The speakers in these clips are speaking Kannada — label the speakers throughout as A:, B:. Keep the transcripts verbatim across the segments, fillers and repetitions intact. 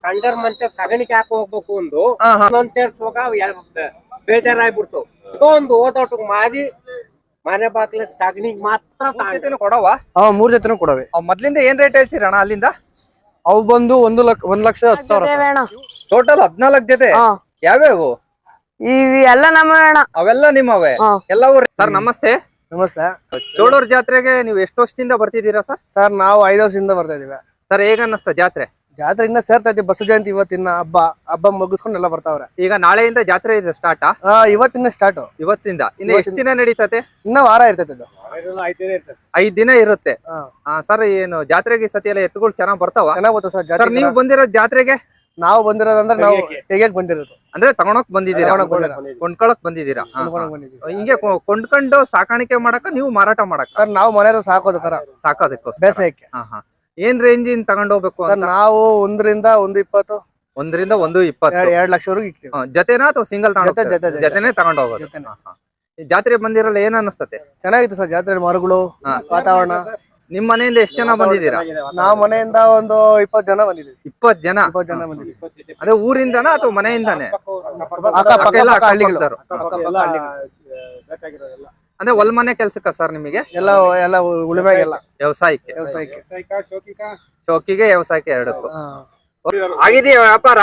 A: ಕಂಡರ್ ಮಂಚ ಸಗಣಿಗೆ ಹಾಕಿ ಹೋಗ್ಬೇಕು ಒಂದು ಸೇರ್ಸುವಾಗ ಬೇಜಾರಾಗ್ಬಿಡ್ತು. ಒಂದು ಓದೋಟಕ್ ಮಾರಿ ಮನೆ ಬಾಗ್ಲಿಗೆ ಸಗಣಿಗ್ ಮಾತ್ರ
B: ಕೊಡವ.
C: ಮೂರ್ ಜೊತೆನೂ ಕೊಡವೆ.
B: ಮೊದ್ಲಿಂದ ಏನ್ ರೇಟ್ ಹೇಳ್ತೀರಣ್ಣ ಅಲ್ಲಿಂದ?
C: ಅವು ಬಂದು ಒಂದು ಲಕ್ಷ ಒಂದ್ ಲಕ್ಷ ಹತ್ತು ಸಾವಿರ.
B: ಟೋಟಲ್ ಹದ್ನಾಲ್ಕು ಜೊತೆ. ಯಾವ್ಯಾವು?
D: ಇವೆಲ್ಲ ನಮ್ಮ
B: ಅವೆಲ್ಲ ನಿಮ್ಮವೇ ಎಲ್ಲವೂ? ಸರ್ ನಮಸ್ತೆ.
C: ನಮಸ್ತೆ.
B: ಚೋಳೂರ್ ಜಾತ್ರೆಗೆ ನೀವು ಎಷ್ಟು ವರ್ಷದಿಂದ ಬರ್ತಿದ್ದೀರಾ ಸರ್?
C: ಸರ್ ನಾವು ಐದು ವರ್ಷದಿಂದ ಬರ್ತಾ ಇದೀವಿ
B: ಸರ್. ಹೇಗ ಅನ್ನಿಸ್ತಾ ಜಾತ್ರೆ?
C: ಜಾತ್ರೆ ಇನ್ನ ಸೇರ್ತಾ ಇದ್ದೀವಿ. ಬಸವ ಜಯಂತಿ ಇವತ್ತಿನ ಹಬ್ಬ ಹಬ್ಬ ಮುಗಿಸ್ಕೊಂಡು ಎಲ್ಲ ಬರ್ತಾವ್ರೆ.
B: ಈಗ ನಾಳೆಯಿಂದ ಜಾತ್ರೆ ಇದೆ ಸ್ಟಾರ್ಟ್?
C: ಇವತ್ತಿನ ಸ್ಟಾರ್ಟ್.
B: ಇವತ್ತಿಂದ ಇನ್ನು ಎಷ್ಟು ದಿನ ನಡೀತದೆ?
C: ಇನ್ನ ವಾರ ಇರ್ತದೆ. ಅದು
B: ಐದ್ ದಿನ ಇರುತ್ತೆ ಸರ್. ಏನು ಜಾತ್ರೆಗೆ ಸತಿ ಎಲ್ಲ ಎತ್ತುಗಳು ಚೆನ್ನಾಗ್ ಬರ್ತಾವ?
C: ಚೆನ್ನಾಗ್ ಬರ್ತಾವ ಸರ್. ಜಾತ್ರೆ
B: ನೀವು ಬಂದಿರೋದು ಜಾತ್ರೆಗೆ?
C: ನಾವು ಬಂದಿರೋದಂದ್ರೆ ನಾವು ತೆಗಿಯಕ್ ಬಂದಿರೋದು.
B: ಅಂದ್ರೆ ತಗೊಳಕ್ ಬಂದಿದ್ದೀರಾ? ಕೊಂಡ್ಕೊಳಕ್ ಬಂದಿದ್ದೀರಾ? ಹಿಂಗೆ ಕೊಂಡ್ಕೊಂಡು ಸಾಕಾಣಿಕೆ ಮಾಡಕ ನೀವು ಮಾರಾಟ ಮಾಡಕ?
C: ಸರ್ ನಾವು ಮನೆಯವ್ರು ಸಾಕೋದು ತರ
B: ಸಾಕೋದಕ್ಕೆ
C: ಬೇಸಾಯಕ್ಕೆ.
B: ಏನ್ ರೇಂಜ್ ಇನ್ ತಗೊಂಡ್ ಹೋಗ್ಬೇಕು?
C: ನಾವು ಒಂದರಿಂದ ಒಂದು ಇಪ್ಪತ್ತು
B: ಒಂದರಿಂದ ಒಂದು ಇಪ್ಪತ್ತು
C: ಎರಡ್ ಲಕ್ಷವರೆಗೂ ಇಕ್ತೀವಿ.
B: ಜೊತೆನಾ ಅಥವಾ ಸಿಂಗಲ್ ಜೊತೆನೆ ತಗೊಂಡ್ ಹೋಗೋದು? ಜಾತ್ರೆ ಬಂದಿರಲ್ಲ ಏನ್ ಅನಿಸ್ತತೆ?
C: ಚೆನ್ನಾಗಿತ್ತು ಸರ್ ಜಾತ್ರೆ. ಮರಗಳು, ವಾತಾವರಣ.
B: ನಿಮ್ ಮನೆಯಿಂದ ಎಷ್ಟು ಜನ ಬಂದಿದ್ದೀರಾ?
C: ನಾವ್ ಮನೆಯಿಂದ ಒಂದು ಇಪ್ಪತ್ತು ಜನ ಬಂದಿದ್ದೀವಿ.
B: ಇಪ್ಪತ್ ಜನ?
C: ಇಪ್ಪತ್ತು ಜನ ಬಂದಿದ್ದೀವಿ.
B: ಅದೇ ಊರಿಂದನ ಅಥವಾ ಮನೆಯಿಂದಾನೆ? ಅಂದ್ರೆ ಹೊಲ್ ಮನೆ ಕೆಲ್ಸಕ್ಕ ಸರ್ ನಿಮಗೆ?
C: ಎಲ್ಲ ಎಲ್ಲ ಉಳಿಮೆಗೆಲ್ಲ
B: ವ್ಯವಸಾಯಕ್ಕೆ?
C: ವ್ಯವಸಾಯಕ್ಕೆ
B: ಚೌಕಿಗೆ ವ್ಯವಸಾಯಕ್ಕೆ ಎರಡಕ್ಕೂ ಆಗಿದೆಯಾ ವ್ಯಾಪಾರ?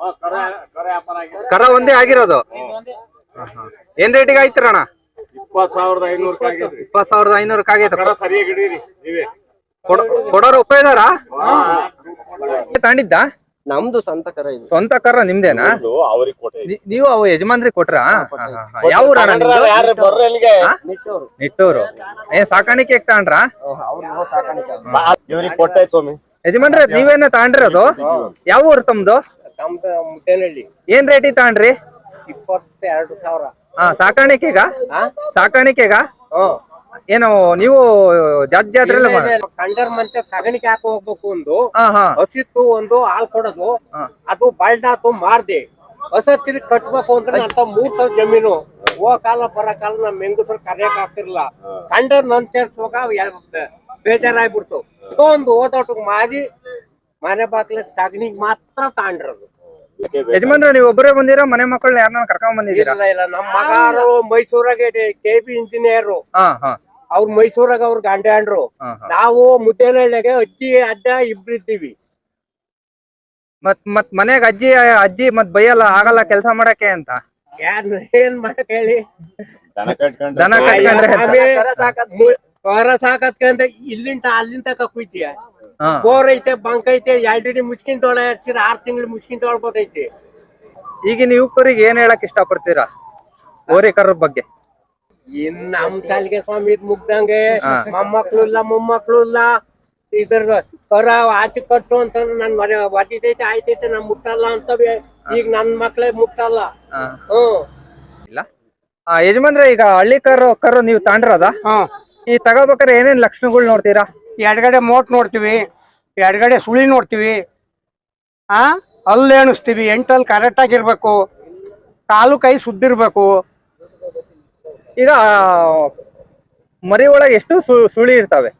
B: ಕರ ಒಂದೇ ಆಗಿರೋದು? ಏನ್ ರೇಟಿಗೆ ಆಯ್ತಿರಣ್ಣ?
A: ಇಪ್ಪತ್ ಸಾವಿರದ ಐನೂರ
B: ಇಪ್ಪತ್ ಸಾವಿರದ ಐನೂರಕ್ಕೆ ಆಗೈತೆ.
A: ಸರಿಯಾಗಿ ಹಿಡೀರಿ ನೀವೇ.
B: ಕೊಡೋರು ಒಪ್ಪಿದಾರ? ತಾಂಡಿದ್ದ?
C: ನಮ್ದು ಸ್ವಂತ ಕರ ಇದು.
B: ಸ್ವಂತ ಕರ ನಿಮ್ದೇನಾ? ನೀವು ಅವು ಯಜಮಾನ್ರಿ ಕೊಟ್ರ? ಯಾವ ಊರಣ್ಣ ನಿಮ್ದು? ನಿಟ್ಟೂರು. ಏನ್ ಸಾಕಾಣಿಕೆ ತಗೊಂಡ್ರ? ಯಜಮಾನ್ರಿ ನೀವೇನ ತಗೊಂಡಿರೋದು? ಯಾವ ಊರು ತಮ್ದು?
A: ಮುದ್ದೇನಹಳ್ಳಿ.
B: ಏನ್ ರೇಟಿಗೆ ತಗೊಂಡ್ರಿ?
A: ಇಪ್ಪತ್ತೆರಡು ಸಾವಿರ.
B: ಹಾ ಸಾಕಾಣಿಕೆಗ? ಸಾಕಾಣಿಕೆಗ ಏನು ನೀವು ಜಾತ್ ಜಾತ್ರೆ
A: ಕಂಡರ್ ಮಂಚ ಸಗಣಿಗೆ ಹಾಕಿ ಹೋಗ್ಬೇಕು ಒಂದು ಹಸಿತ್ತು ಒಂದು ಹಾಲ್ ಕೊಡೋದು. ಅದು ಬಲ್ಡಾತು ಮಾರ್ದೆ ಹೊಸ ತಿರುಗಿ ಕಟ್ಬೇಕು ಅಂದ್ರೆ ಅಂತ ಮೂರ್ ಸಾವಿರ ಜಮೀನು. ಹೋಗ ಕಾಲ ಬರೋ ಕಾಲ ನಮ್ ಹೆಂಗಸರು ಕರೆಯಕ್ ಆಗ್ತಿರ್ಲಿಲ್ಲ. ಕಂಡರ್ ನನ್ ಸೇರ್ಸುವಾಗ ಬೇಜಾರಾಗ್ಬಿಡ್ತು. ಒಂದು ಓದೋಟಕ್ ಮಾರಿ ಮನೆ ಬಾಗ್ಲಿಗೆ ಸಗಣಿಗ್ ಮಾತ್ರ ತಾಂಡ್ರದು.
B: ಯಜಮಾನ್ರ ನೀವು ಒಬ್ಬರೇ ಬಂದಿರಾ? ಮನೆ ಮಕ್ಕಳನ್ನ ಯಾರನ್ನ ಕರ್ಕೊಂಡ್ ಬಂದಿದ್ದೀರಾ?
A: ಇಲ್ಲ ಇಲ್ಲ, ನಮ್ಮ ಮಗಾರು ಮೈಸೂರಾಗ ಕೆ ಬಿ ಇಂಜಿನಿಯರ್. ಅವ್ರು ಮೈಸೂರಾಗ ಅವ್ರ ಗಂಡ ಅಂಡ್ರು. ನಾವು ಮುದ್ದೇನಹಳ್ಳಿಗೆ ಅಜ್ಜಿ ಅಡ್ಡ ಇಬ್ರು ಇದ್ದೀವಿ.
B: ಮತ್ ಮತ್ ಮನೆಗ್ ಅಜ್ಜಿ ಅಜ್ಜಿ ಮತ್ ಬೈಯಲ್ಲ ಆಗಲ್ಲ ಕೆಲ್ಸ ಮಾಡಕ್ಕೆ ಅಂತ?
A: ಯಾರ್ ಏನ್ ಮಾಡಕ್ ಹೇಳಿ?
B: ದನ ಕಟ್ಕೊಂಡ್ರೆ
A: ಹೊರ ಸಾಕತ್ಕಂದ್ರೆ ಇಲ್ಲಿಂದ ಅಲ್ಲಿಂದ ತಕ ಕುಯ್ತೀಯ. ಬೋರ್ ಐತೆ, ಬಂಕ್ ಐತೆ, ಎರಡಿ ಮುಚ್ಕಿನ್ ತೊಳೆ ಹಚ್ಚಿರ ಆರ್ ತಿಂಗಳು ಮುಚ್ಕಿನ್ ತೊಳ್ಬೋದೈತಿ.
B: ಈಗಿನ ಯುವಕರಿಗೆ ಏನ್ ಹೇಳಕ್ ಇಷ್ಟ ಪಡ್ತೀರಾ ಓರಿಕರ ಬಗ್ಗೆ?
A: ಇನ್ ನಮ್ ತಾಲಿಗೆ ಸ್ವಾಮಿ ಇದ್ ಮುಗ್ದಂಗೆ ಮೊಮ್ಮಕ್ಳು ಇಲ್ಲ ಮೊಮ್ಮಕ್ಳು ಇಲ್ಲ. ಇದ್ರ ಕರ ಆಚೆ ಕಟ್ಟು ಅಂತಂದ್ರೆ ನನ್ ಮನೆ ಒದಿತೈತೆ ಆಯ್ತೈತೆ ನಮ್ ಮುಟ್ಟಲ್ಲ ಅಂತವೆ. ಈಗ ನನ್ ಮಕ್ಳೇ ಮುಟ್ಟಲ್ಲ. ಹ್ಮ್
B: ಇಲ್ಲ ಯಜಮಾನ್ರೆ, ಈಗ ಹಳ್ಳಿ ಕರು ಕರು ನೀವು ತಾಂಡ್ರದ? ಈ ತಗೋಬೇಕಾದ್ರೆ ಏನೇನ್ ಲಕ್ಷಣಗಳು ನೋಡ್ತೀರಾ?
E: ಎಡಗಡೆ ಮೋಟ್ ನೋಡ್ತೀವಿ, ಎಡಗಡೆ ಸುಳಿ ನೋಡ್ತೀವಿ, ಆ ಅಲ್ಲಿ ಎಣಿಸ್ತೀವಿ. ಎಂಟಲ್ಲಿ ಕರೆಕ್ಟ್ ಆಗಿರ್ಬೇಕು, ಕಾಲು ಕೈ ಸುದ್ದಿರ್ಬೇಕು.
B: ಈಗ ಮರಿ ಒಳಗೆ ಎಷ್ಟು ಸುಳಿ ಇರ್ತಾವೆ?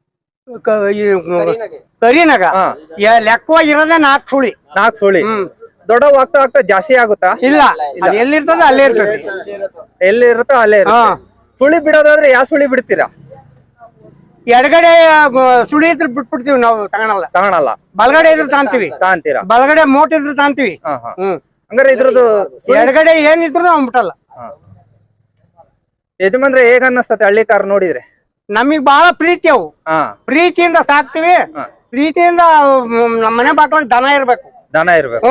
E: ಕರಿನಾಗ ಲೆಕ್ಕವಾಗಿರೋದೇ ನಾಲ್ಕು ಸುಳಿ.
B: ನಾಲ್ಕು ಸುಳಿ ದೊಡ್ಡವ್ ಆಗ್ತಾ ಆಗ್ತಾ ಜಾಸ್ತಿ ಆಗುತ್ತಾ?
E: ಇಲ್ಲ, ಅದು ಎಲ್ಲಿರ್ತದೆ ಅಲ್ಲೇ ಇರ್ತದೆ.
B: ಎಲ್ಲಿ ಇರುತ್ತೋ ಅಲ್ಲೇ ಇರುತ್ತೆ. ಸುಳಿ ಬಿಡೋದಾದ್ರೆ ಯಾವ ಸುಳಿ ಬಿಡ್ತೀರಾ?
E: ಎಡಗಡೆ ಸುಳಿ ಇದ್ರೆ ಬಿಟ್ಬಿಡ್ತೀವಿ ನಾವು, ತಗೊಳಲ್ಲ
B: ತಗೊಳಲ್ಲ.
E: ಬಲಗಡೆ ಇದ್ರೆ ತಾಂತೀವಿ.
B: ತಾಂತೀರಾ?
E: ಬಲಗಡೆ ಮೋಟ್ ಇದ್ರೆ ತಾಂತೀವಿ.
B: ಹ್ಮ್ ಹಂಗಾರೆ ಇದ್ರದ್ದು
E: ಎಡಗಡೆ ಏನಿದ್ರು ನಾವು ಬಿಟ್ಟಲ್ಲ.
B: ಯಜಮಾನ್ರೆ ಹೇಗ ಅನ್ನಿಸ್ತತೆ ಹಳ್ಳಿ ಕಾರ್ ನೋಡಿದ್ರೆ?
E: ನಮಗ್ ಬಹಳ ಪ್ರೀತಿ ಅವು. ಪ್ರೀತಿಯಿಂದ ಸಾಕ್ತಿವಿ. ಪ್ರೀತಿಯಿಂದ ನಮ್ಮ ಮನೆ ಬಾಕ್ಲಲ್ಲಿ ದನ ಇರ್ಬೇಕು.
B: ದನ ಇರ್ಬೇಕು.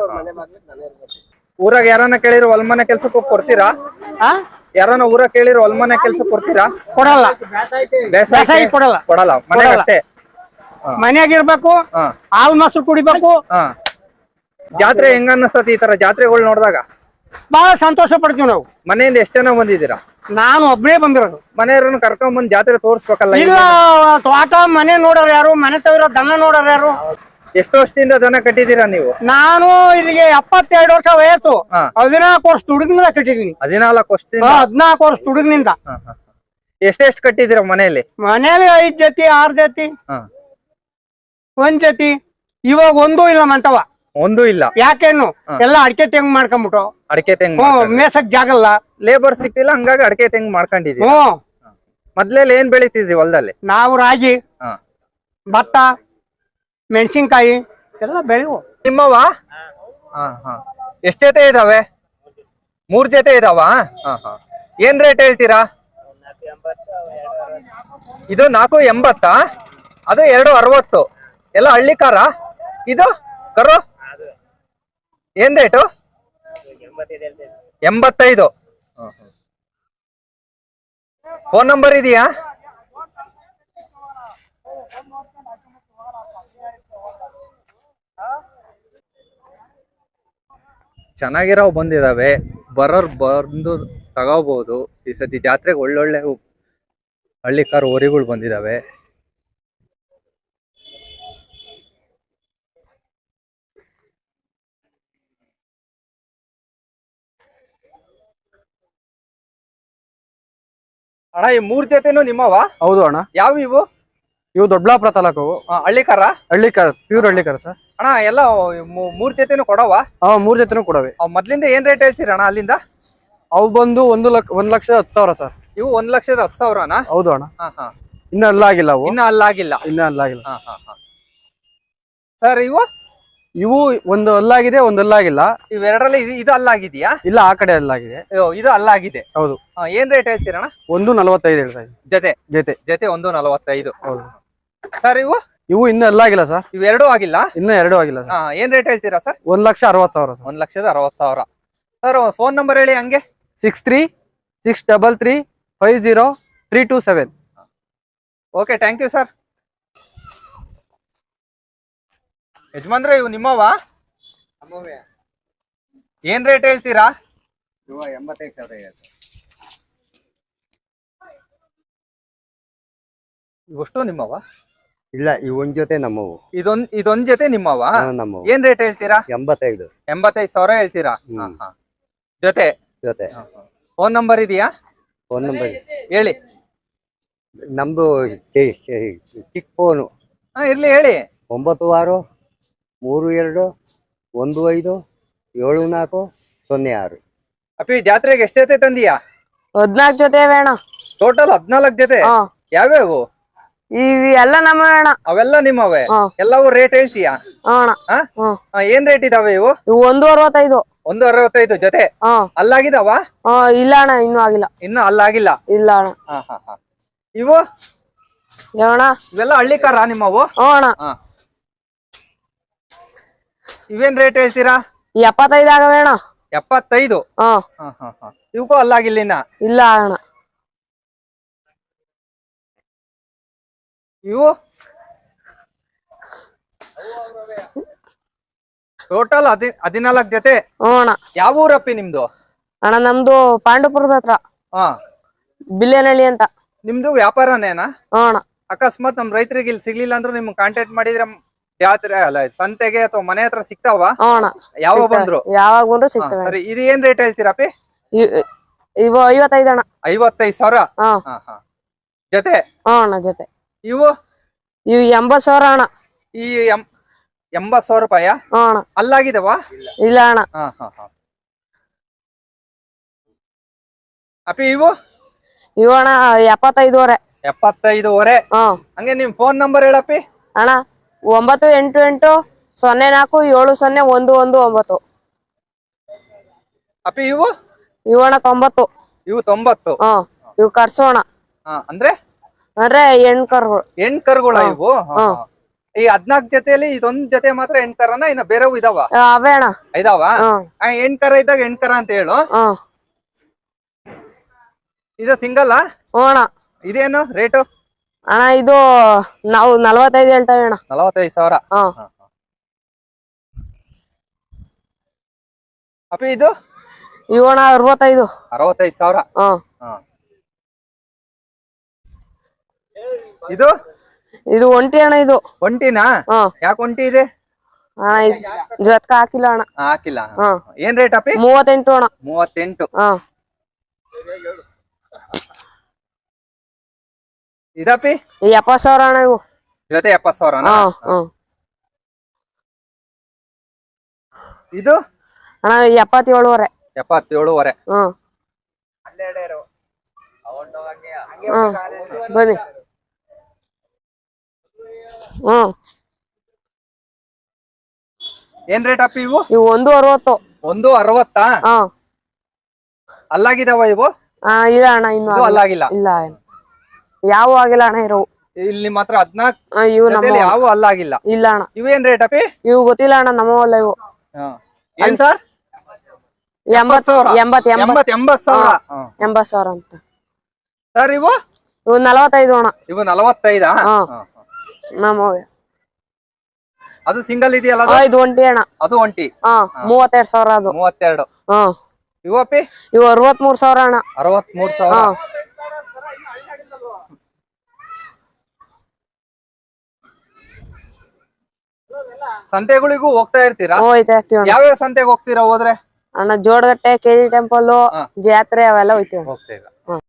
B: ಊರಾಗ ಯಾರನ್ನ ಕೇಳಿದ್ರು ಹೊಲ್ಮನೆ ಕೆಲ್ಸಕ್ಕೆ ಕೊಡ್ತೀರಾ? ಯಾರನ್ನ ಊರ ಕೇಳಿದ್ರು ಹೊಲ್ಮನೆ ಕೆಲ್ಸ ಕೊಡ್ತೀರಾ?
E: ಕೊಡಲ್ಲ.
B: ಬೇಸಾಯ ಕೊಡಲ್ಲ? ಕೊಡಲ್ಲ. ಮನೆ ಅಷ್ಟೇ.
E: ಮನೆಯಾಗಿರ್ಬೇಕು, ಹಾಲ್ ಮೊಸರು ಕುಡಿಬೇಕು.
B: ಜಾತ್ರೆ ಹೆಂಗ ಅನ್ನಿಸ್ತತಿ ಈ ತರ ಜಾತ್ರೆಗಳು ನೋಡಿದಾಗ?
E: ಬಹಳ ಸಂತೋಷ ಪಡ್ತೀವಿ ನಾವು.
B: ಮನೆಯಿಂದ ಎಷ್ಟ್ ಜನ ಬಂದಿದ್ದೀರಾ?
E: ನಾನು ಒಬ್ಬನೇ ಬಂದಿರೋದು.
B: ಮನೆಯವ್ರನ್ನ ಕರ್ಕೊಂಡ್ ಬಂದ್ ಜಾತ್ರೆ ತೋರ್ಸ್ಬೇಕಲ್ಲ?
E: ಇಲ್ಲ, ತೋಟ ಮನೆ ನೋಡೋರು ಯಾರು, ಮನೆ ತವಿರೋ ದನ ನೋಡೋರು ಯಾರು?
B: ಎಷ್ಟು ವರ್ಷದಿಂದ ದನ ಕಟ್ಟಿದೀರಾ ನೀವು?
E: ನಾನು ಇಲ್ಲಿಗೆ ಎಪ್ಪತ್ತೆರಡು ವರ್ಷ ವಯಸ್ಸು. ಹದಿನಾಲ್ಕು ವರ್ಷ ದುಡಿದ್ನಿಂದ ಕಟ್ಟಿದೀನಿ.
B: ಹದಿನಾಲ್ಕು ವರ್ಷದಿಂದ?
E: ಹದಿನಾಲ್ಕು ವರ್ಷ ದುಡಿದ್ನಿಂದ.
B: ಎಷ್ಟೆಷ್ಟು ಕಟ್ಟಿದೀರ ಮನೆಯಲ್ಲಿ?
E: ಮನೆಯಲ್ಲಿ ಐದ್ ಜೊತೆ ಆರ್ ಜೊತೆ ಒಂದ್ ಜೊತೆ. ಇವಾಗ ಒಂದು ಇಲ್ಲ ಮಂಟವ.
B: ಒಂದು ಇಲ್ಲ.
E: ಯಾಕೇನು ಎಲ್ಲ ಅಡಿಕೆ ತೆಂಗ್ ಮಾಡ್ಕೊಂಬಿಟ್ಟು
B: ಅಡಿಕೆ ತೆಂಗ್
E: ಹ್ಮ್ ಮೇಸಕ್ ಜಾಗಲ್ಲ,
B: ಲೇಬರ್ ಸಿಕ್ತಿಲ್ಲ, ಹಂಗಾಗಿ ಅಡಿಕೆ ತೆಂಗ್ ಮಾಡ್ಕೊಂಡಿದೀವಿ.
E: ಹ್ಮ್
B: ಮೊದ್ಲೆಲ್ಲ ಏನ್ ಬೆಳಿತಿದ್ರಿ ಹೊಲದಲ್ಲಿ?
E: ನಾವು ರಾಗಿ,
B: ಹಾ.
E: ಭತ್ತ, ಮೆಣಸಿನ್ಕಾಯಿ ಎಲ್ಲ ಬೆಳೆವು.
B: ನಿಮ್ಮವ ಹಾ ಹಾ ಎಷ್ಟ್ ಜೊತೆ ಇದಾವೆ? ಮೂರ್ ಜೊತೆ ಇದಾವ. ಹಾ ಹಾ ಏನ್ ರೇಟ್ ಹೇಳ್ತೀರಾ? ಇದು ನಾಲ್ಕು ಎಂಬತ್ತಾ? ಅದು ಎರಡು ಅರವತ್ತು. ಎಲ್ಲ ಹಳ್ಳಿ ಕಾರ? ಇದು ಕರು ಏನ್ ರೇಟು? ಎಂಬತ್ತೈದು. ಫೋನ್ ನಂಬರ್ ಇದೆಯಾ? ಚೆನ್ನಾಗಿರೋ ಬಂದಿದಾವೆ, ಬರೋರ್ ಬಂದು ತಗೋಬಹುದು. ಈ ಸತಿ ಜಾತ್ರೆಗೆ ಒಳ್ಳೊಳ್ಳೆ ಹಳ್ಳಿ ಕಾರ್ ಹೋರಿಗಳು ಬಂದಿದಾವೆ. ಅಣ್ಣ ಈ ಮೂರ್ ಜೊತೆನು ನಿಮ್ಮವ?
C: ಹೌದು ಅಣ್ಣ.
B: ಯಾವ ಇವು?
C: ಇವು ದೊಡ್ಡಬಳ್ಳಾಪುರ ತಾಲೂಕು
B: ಹಳ್ಳಿ ಕಾರ?
C: ಹಳ್ಳಿ ಕಾರ, ಪ್ಯೂರ್ ಹಳ್ಳಿ ಕಾರ ಸರ್.
B: ಅಣ್ಣ ಎಲ್ಲ ಮೂ- ಮೂರ್ ಜೊತೆನು ಕೊಡವ?
C: ಹಾ ಮೂರ್ ಜೊತೆನೂ ಕೊಡವೆ.
B: ಅವ್ ಮೊದ್ಲಿಂದ ಏನ್ ರೇಟ್ ಹೇಳ್ತೀರ ಅಣ್ಣ ಅಲ್ಲಿಂದ?
C: ಅವು ಬಂದು ಒಂದು ಲಕ್ಷ ಒಂದ್ ಲಕ್ಷದ ಹತ್ತು ಸಾವಿರ ಸರ್.
B: ಇವು ಒಂದ್ ಲಕ್ಷದ ಹತ್ತು ಸಾವಿರನಾ?
C: ಹೌದು ಅಣ್ಣ.
B: ಹಾ ಹಾ
C: ಇನ್ನ ಅಲ್ಲಾಗಿಲ್ಲ ಅವು,
B: ಇನ್ನ ಅಲ್ಲಾಗಿಲ್ಲ.
C: ಇನ್ನ ಅಲ್ಲಾಗಿಲ್ಲ.
B: ಹಾ ಹಾ ಹಾ ಸರ್ ಇವು
C: ಇವು ಒಂದು ಅಲ್ಲಾಗಿದೆ, ಒಂದು ಅಲ್ಲಾಗಿಲ್ಲ.
B: ಇವೆರಡರಲ್ಲಿ ಇದು ಇದು ಅಲ್ಲಾಗಿದೆಯಾ?
C: ಇಲ್ಲ ಆ ಕಡೆ ಅಲ್ಲಾಗಿದೆ.
B: ಅಯ್ಯೋ, ಇದು ಅಲ್ಲಾಗಿದೆ.
C: ಹೌದು.
B: ಹಾ, ಏನ್ ರೇಟ್ ಹೇಳ್ತೀರಣ್ಣ?
C: ಒಂದು ನಲವತ್ತೈದು ಹೇಳ್ತಾ ಇದ್ದೀನಿ
B: ಜೊತೆ
C: ಜೊತೆ.
B: ಜೊತೆ ಒಂದು ನಲವತ್ತೈದು.
C: ಹೌದು.
B: ಸರ್ ಇವು
C: ಇವು ಇನ್ನ ಅಲ್ಲಾಗಿಲ್ಲ ಸರ್.
B: ಇವೆರಡೂ ಆಗಿಲ್ಲ?
C: ಇನ್ನ ಎರಡು ಆಗಿಲ್ಲ ಸರ್.
B: ಹಾ ಏನ್ ರೇಟ್ ಹೇಳ್ತೀರಾ ಸರ್?
C: ಒಂದ್ ಲಕ್ಷ ಅರವತ್ ಸಾವಿರ ಸರ್.
B: ಒಂದ್ ಲಕ್ಷದ ಅರವತ್ ಸಾವಿರ. ಸರ್ ಫೋನ್ ನಂಬರ್ ಹೇಳಿ ಹಂಗೆ.
C: Six three six double three five zero three two seven.
B: Okay, thank you sir. ಯಜಮಾನ್ರೆ ಇವು ನಿಮ್ಮವ? ಏನ್ ರೇಟ್ ಹೇಳ್ತೀರಾ?
A: ಎಂಬತ್ತೈದು ಸಾವಿರ
B: ಇವಷ್ಟು ನಿಮ್ಮವ?
A: ಇಲ್ಲ, ಈ ಒಂದ್ ಜೊತೆ ನಮ್ಮವು.
B: ಇದೊಂದ್ ಇದೊಂದ್ ಜೊತೆ ನಿಮ್ಮವ?
A: ನಮ್ಮವು.
B: ಏನ್ ರೇಟ್ ಹೇಳ್ತೀರಾ?
A: ಎಂಬತ್ತೈದು.
B: ಎಂಬತ್ತೈದು ಸಾವಿರ ಹೇಳ್ತೀರಾ? ಹಾ, ಹಾ. ಜೊತೆ
A: ಜೊತೆ.
B: ಫೋನ್ ನಂಬರ್ ಇದೆಯಾ?
A: ಫೋನ್ ನಂಬರ್
B: ಹೇಳಿ.
A: ನಮ್ದು ಚಿಕ್ಕ ಫೋನು.
B: ಹಾ ಇರ್ಲಿ ಹೇಳಿ.
A: ಒಂಬತ್ತು ಆರು ಮೂರು ಎರಡು ಒಂದು ಐದು ಏಳು ನಾಲ್ಕು ಸೊನ್ನೆ ಆರು.
B: ಅಪ್ಪಿ ಜಾತ್ರೆಗೆ ಎಷ್ಟ್ ಜೊತೆ ತಂದಿಯಾ?
D: ಹದ್ನಾಲ್ಕು ಜೊತೆ ಅಣ್ಣ.
B: ಟೋಟಲ್ ಹದ್ನಾಲ್ಕು ಜೊತೆ?
D: ಹಾ.
B: ಯಾವ್ಯಾವು?
D: ಇವಿ ಎಲ್ಲ ನಮ್ಮ ಅಣ್ಣ.
B: ಅವೆಲ್ಲ ನಿಮ್ಮವೇ?
D: ಹಾ.
B: ಎಲ್ಲವೂ ರೇಟ್ ಹೇಳ್ತೀಯಾ?
D: ಹಾ ಅಣ್ಣ.
B: ಹಾ?
D: ಹ್ಮ್.
B: ಹಾ, ಏನ್ ರೇಟ್ ಇದಾವೆ ಇವು?
D: ಇವು ಒಂದು ಅರವತ್ತೈದು.
B: ಒಂದು ಅರವತ್ತೈದು ಜೊತೆ?
D: ಹಾ.
B: ಅಲ್ಲಾಗಿದಾವ?
D: ಹಾ ಇಲ್ಲ ಅಣ್ಣ, ಇನ್ನೂ ಆಗಿಲ್ಲ.
B: ಇನ್ನು ಅಲ್ಲಾಗಿಲ್ಲ?
D: ಇಲ್ಲ ಅಣ್ಣ.
B: ಹಾ ಹಾ ಹಾ ಇವು
D: ಯಾವಣ್ಣ?
B: ಇವೆಲ್ಲ ಹಳ್ಳಿ ಕಾರ ನಿಮ್ಮವು?
D: ಹ್ಞೂ ಅಣ್ಣ.
B: ಹಾ. ಇವೇನ್ ರೇಟ್ ಹೇಳ್ತೀರಾ?
D: ಎಪ್ಪತ್ತೈದು ಆಗವೆ ಅಣ್ಣ.
B: ಎಪ್ಪತ್ತೈದು?
D: ಹಾ.
B: ಹಾ ಹಾ ಹಾ ಇವಕ್ಕೂ ಅಲ್ಲಾಗಿಲ್ಲ ಇನ್ನ?
D: ಇಲ್ಲ ಅಣ್ಣ.
B: ಇವು ಟೋಟಲ್ ಹದಿ ಹದಿನಾಲ್ಕು ಜೊತೆ?
D: ಹ್ಞೂ ಅಣ್ಣ.
B: ಯಾವ ಊರಪ್ಪಿ ನಿಮ್ದು?
D: ಅಣ್ಣ ನಮ್ದು ಪಾಂಡುಪುರದ ಹತ್ರ,
B: ಹಾ.
D: ಬಿಲ್ಲೇನಹಳ್ಳಿ ಅಂತ.
B: ನಿಮ್ದು ವ್ಯಾಪಾರನೇನಾ?
D: ಹ್ಞೂ ಅಣ್ಣ.
B: ಅಕಸ್ಮಾತ್ ನಮ್ ರೈತರಿಗೆ ಇಲ್ಲಿ ಸಿಗ್ಲಿಲ್ಲ ಅಂದ್ರೆ ನಿಮ್ಗೆ ಕಾಂಟ್ಯಾಕ್ಟ್ ಮಾಡಿದ್ರೆ ಜಾತ್ರೆ ಅಲ್ಲ ಸಂತೆಗೆ ಅಥವಾ ಮನೆ ಹತ್ರ ಸಿಗ್ತಾವ?
D: ಹ್ಞೂ ಅಣ್ಣ.
B: ಯಾವ ಬಂದ್ರು?
D: ಯಾವಾಗ ಬಂದ್ರು
B: ಹಾ,
D: ಸಿಗ್ತವೆ.
B: ಸರಿ. ಇದು ಏನ್ ರೇಟ್ ಹೇಳ್ತೀರಪ್ಪಿ?
D: ಇವ್- ಇವು ಐವತ್ತೈದು ಅಣ್ಣ.
B: ಐವತ್ತೈದು ಸಾವಿರ?
D: ಹಾ.
B: ಹಾ ಹಾ ಜೊತೆ?
D: ಹ್ಞೂ ಅಣ್ಣ ಜೊತೆ.
B: ಇವು
D: ಇವು ಎಂಬತ್ತು ಸಾವಿರ ಅಣ್ಣ.
B: ಈ ಎಂ ಎಂಬತ್ ಸಾವಿರ ರೂಪಾಯ?
D: ಹ್ಞೂ ಅಣ್ಣ.
B: ಅಲ್ಲಾಗಿದವಾ?
D: ಇಲ್ಲ ಅಣ್ಣ.
B: ಹಾ ಹಾ ಹಾ ಅಪ್ಪಿ ಇವು?
D: ಇವು ಅಣ್ಣ ಎಪ್ಪತ್ತೈದುವರೆ.
B: ಎಪ್ಪತ್ತೈದುವರೆ?
D: ಹ್ಮ್.
B: ಹಂಗೆ ನಿಮ್ ಫೋನ್ ನಂಬರ್ ಹೇಳಪ್ಪಿ.
D: ಅಣ್ಣ ಒಂಬತ್ತು ಎಂಟು ಎಂಟು ಸೊನ್ನೆ ನಾಲ್ಕು ಏಳು ಸೊನ್ನೆ ಒಂದು ಒಂದು ಒಂಬತ್ತು.
B: ಅಪ್ಪಿ ಇವು?
D: ಇವು ಅಣ್ಣ ತೊಂಬತ್ತು.
B: ಇವು ತೊಂಬತ್ತು?
D: ಹ್ಮ್. ಇವು ಕರ್ಸೋಣ
B: ಹಾ, ಅಂದ್ರೆ
D: ಅಂದ್ರೆ ಹೆಣ್ ಕರ್ಗಳು.
B: ಹೆಣ್ ಕರುಗಳ ಇವು? ಹಾ,
D: ಹ್ಮ್.
B: ಹಾ. ಈ ಹದ್ನಾಲ್ಕು ಜೊತೆಯಲ್ಲಿ ಇದೊಂದ್ ಜೊತೆ ಮಾತ್ರ ಹೆಣ್ ಕರನ? ಇನ್ನ ಬೇರೆವು ಇದಾವ?
D: ಅವೇ ಅಣ್ಣ.
B: ಇದಾವ?
D: ಹ್ಮ್.
B: ಆ, ಹೆಣ್ ಕರ ಇದ್ದಾಗ ಹೆಣ್ ಕರ ಅಂತ ಹೇಳು.
D: ಹ್ಮ್.
B: ಇದು ಸಿಂಗಲ್?
D: ಹ್ಞೂ ಅಣ್ಣ.
B: ಇದೇನು ರೇಟು?
D: ಅಣ್ಣ ಇದು ನಾವು ನಲ್ವತ್ತೈದು ಹೇಳ್ತೇವೆ ಅಣ್ಣ.
B: ನಲವತ್ತೈದು ಸಾವಿರ?
D: ಹ್ಮ್.
B: ಅಪ್ಪಿ ಇದು?
D: ಇವು ಅಣ್ಣ ಅರವತ್ತೈದು.
B: ಅರವತ್ತೈದು ಸಾವಿರ?
D: ಹ್ಮ್.
B: ಹಾ. ಇದು?
D: ಇದು ಒಂಟಿ ಅಣ್ಣ. ಇದು
B: ಒಂಟಿನಾ?
D: ಹ್ಮ್.
B: ಯಾಕೆ ಒಂಟಿ ಇದೆ?
D: ಅಣ್ಣ ಇದು ಜೊತ್ಕ ಹಾಕಿಲ್ಲ ಅಣ್ಣ.
B: ಹಾ, ಹಾಕಿಲ್ಲ?
D: ಹ್ಮ್.
B: ಏನ್ ರೇಟ್ ಅಪ್ಪಿ?
D: ಮೂವತ್ತೆಂಟು ಅಣ್ಣ.
B: ಮೂವತ್ತೆಂಟು?
D: ಹ್ಮ್.
B: ಇದಪ್ಪಿ?
D: ಎಪ್ಪತ್ತು ಸಾವಿರ ಅಣ್ಣ ಇವು
B: ಜೊತೆ? ಎಪ್ಪತ್ ಸಾವಿರ?
D: ಹ್ಮ್. ಹ್ಮ್.
B: ಇದು
D: ಅಣ್ಣ ಎಪ್ಪತ್ತೇಳುವರೆ.
B: ಎಪ್ಪತ್ತೇಳುವರೆ.
D: ಹ್ಮ್ ಹ್ಮ್ ಬನ್ನಿ. ಹ್ಮ್
B: ಏನ್ ರೇಟ್ ಅಪ್ಪಿ ಇವು?
D: ಇವು ಒಂದು ಅರವತ್ತು.
B: ಒಂದು ಅರವತ್ತಾ?
D: ಹಾ
B: ಅಲ್ಲಾಗಿದಾವ ಇವು?
D: ಹಾ ಇಲ್ಲ ಅಣ್ಣ ಇನ್ನು
B: ಇದು ಅಲ್ಲಾಗಿಲ್ಲ.
D: ಇಲ್ಲ ಯಾವ ಆಗಿಲ್ಲ ಅಣ್ಣ ಇರೋ.
B: ಇಲ್ಲಿ ಮಾತ್ರ ಹದ್ನಾಲ್ಕು
D: ಇವು ನಮ್ಮ
B: ಯಾವ ಅಲ್ಲಾಗಿಲ್ಲ.
D: ಇಲ್ಲ ಅಣ್ಣ.
B: ಇವೇನ್ ರೇಟ್ ಅಪ್ಪಿ?
D: ಇವು ಗೊತ್ತಿಲ್ಲ ಅಣ್ಣ ನಮ್ಮವಲ್ಲ ಇವು.
B: ಏನ್ ಸರ್?
D: ಎಂಬತ್ ಎಂಬತ್
B: ಎಂಬತ್ ಎಂಬತ್ ಸಾವಿರ.
D: ಎಂಬತ್ ಸಾವಿರ ಅಂತ
B: ಸರ್ ಇವು?
D: ಇವು ನಲವತ್ತೈದು ಅಣ್ಣ.
B: ಇವು ನಲವತ್ತೈದಾ?
D: ನಮ್ಮವೇ.
B: ಅದು ಸಿಂಗಲ್ ಇದೆಯಲ್ಲ?
D: ಇದು ಒಂಟಿ ಅಣ್ಣ.
B: ಅದು ಒಂಟಿ.
D: ಹಾ ಮೂವತ್ತೆರಡು ಸಾವಿರ ಅದು.
B: ಮೂವತ್ತೆರಡು.
D: ಹಾ
B: ಇವು ಅಪ್ಪಿ?
D: ಇವು ಅರವತ್ ಮೂರ್ ಸಾವಿರ ಅಣ್ಣ.
B: ಅರವತ್ ಮೂರ್ ಸಾವಿರ. ಸಂತೆಗಳಿಗೂ ಹೋಗ್ತಾ ಇರ್ತೀರಾ?
D: ಹೋಯ್ತಾ ಇರ್ತೀವಿ ಅಣ್ಣ.
B: ಯಾವ್ಯಾವ ಸಂತೆಗೆ ಹೋಗ್ತೀರಾ ಹೋದ್ರೆ?
D: ಅಣ್ಣ ಜೋಡಗಟ್ಟೆ, ಕೆಜಿ ಟೆಂಪಲ್, ಜಾತ್ರೆ ಅವೆಲ್ಲ ಹೋಯ್ತೀವಿ.
B: ಹೋಗ್ತೀರಾ?